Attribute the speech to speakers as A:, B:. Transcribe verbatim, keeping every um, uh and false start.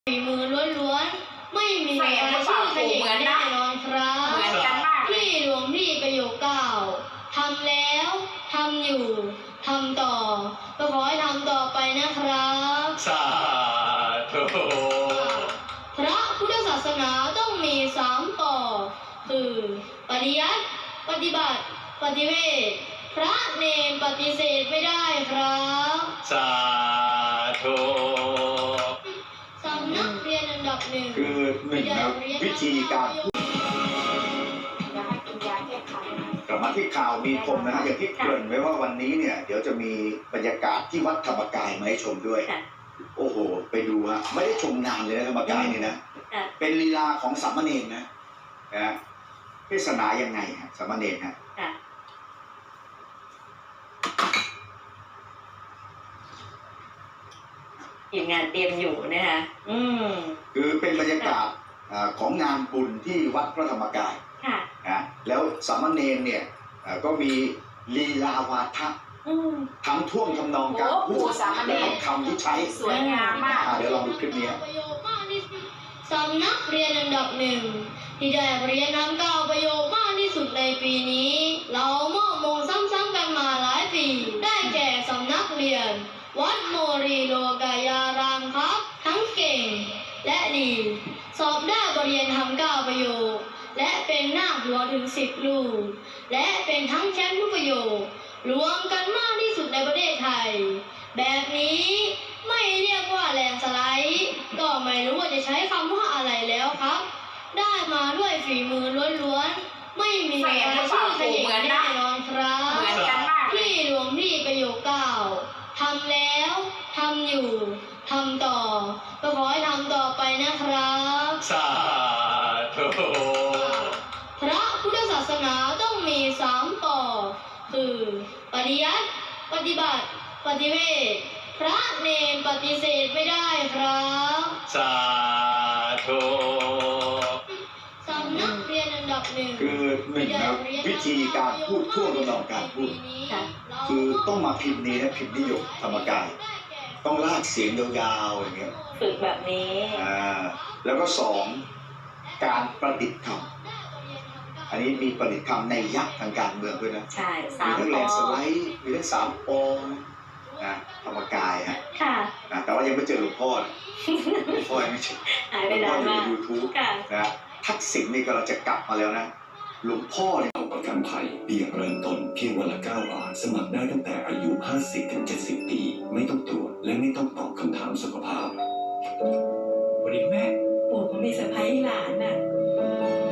A: ฝีมือล้วนๆไม่มีรายชื่อขยิบแน่นอนครับพี่หลวงพี่ประโยคเก้าทำแล้วทำอยู่ทำต่อก็ขอให้ทำต่อไปนะครับ
B: สาธุ
A: พระพุทธศาสนาต้องมีสามปอคือปฏิยัติปฏิบัติปฏิเวทพระเนรปฏิเสธไม่ได้ครับ
B: สาธุ
A: สำนักเรียนอันดับหนึ่ง
C: คือหนึ่งนะวิธีการกลับมาที่ข่าวมีคมนะฮะอย่างที่เกริ่นไว้ว่าวันนี้เนี่ยเดี๋ยวจะมีบรรยากาศที่วัดธรรมกายมาให้ชมด้วยโอ้โหไปดูฮะไม่ได้ชมนานเลยนะธรรมกายเนี่ยนะเป็นลีลาของสามเณรนะนะเทศนายังไงฮะสามเณรฮะ
D: ทีมงานเตรียมอยู่นะคะอืม
C: คือเป็นบรรยากาศของงานบุญที่วัดพระธรรมกาย
D: ค่ะ
C: นะแล้วสามเณรเนี่ยก็มีลีลาวาทะทั้งท่วงทำนองการพูดและคำที่ใช้
D: สวยงามมาก
C: เดี๋ยวลองดูคลิปนี้
A: สำนักเรียนอันดับหนึ่งที่ได้เรียนน้ำเก้าประโยคมากที่สุดในปีนี้เรามอบมงซ้ำๆกันมาหลายปีได้แก่สำนักเรียนวัดโมรีโลกายารามครับทั้งเก่งและดีสอบได้บทเรียนทำเก้าประโยคและเป็นนาคหลวงถึงสิบลูกและเป็นทั้งแชมป์ทุกประโยครวมกันมากที่สุดในประเทศไทยแบบนี้ไม่เรียกว่าแลนสไลด์ก็ไม่รู้ว่าจะใช้คำว่าอะไรแล้วครับได้มาด้วยฝีมือล้วนๆไม่มีรายชื่อขยิบแน่นอนครับพี่หลวงพี่ประโยคเก้าทำแล้วทำอยู่ทำต่อก็ขอให้ทำต่อไปนะครับ
B: สาธุ
A: พระพุทธศาสนาต้องมีสามปอคือปฏิยัติปฏิบัติปฏิเวทพระเนรปฏิเสธไม่ได้ครับ
B: สาธุ
A: สำนักเรียนอันดับหนึ่ง
C: คือหนึ่งนะวิธีการพูดท่วงทำนองการพูดคือต้องมาพิมพ์นี้นะพิมพ์นิยมธรรมกายต้องลากเสียงยาวๆอย่างเงี้ย
D: ฝึกแบบนี้
C: อ่าแล้วก็สองการประดิษฐ์คำอันนี้มีประดิษฐ์คำในยักษ์ทางการเมืองด้วยนะ
D: ใช่สาม
C: มีทั้งแลนสไลด์มีทั้งสามองนะธรรมกายฮะ
D: ค่ะ
C: แต่ว่ายังไม่เจอหลวงพ่อหลวงพ่อยังไม่เจอ
D: หายไปนานมาก
C: ยูทูบนะทักษิณนี่ก็เราจะกลับมาแล้วนะหลวงพ่อเนี่ย
E: ประกันภัยเบี้ยเริ่มต้นเพียงวันละเก้าบาทสมัครได้ตั้งแต่อายุห้าสิบถึงเจ็ดสิบปีไม่ต้องตรวจและไม่ต้องตอบคำถามสุขภาพ
D: วันนี้แม่ปู่เขามีเซอร์ไพรส์หลานน่ะ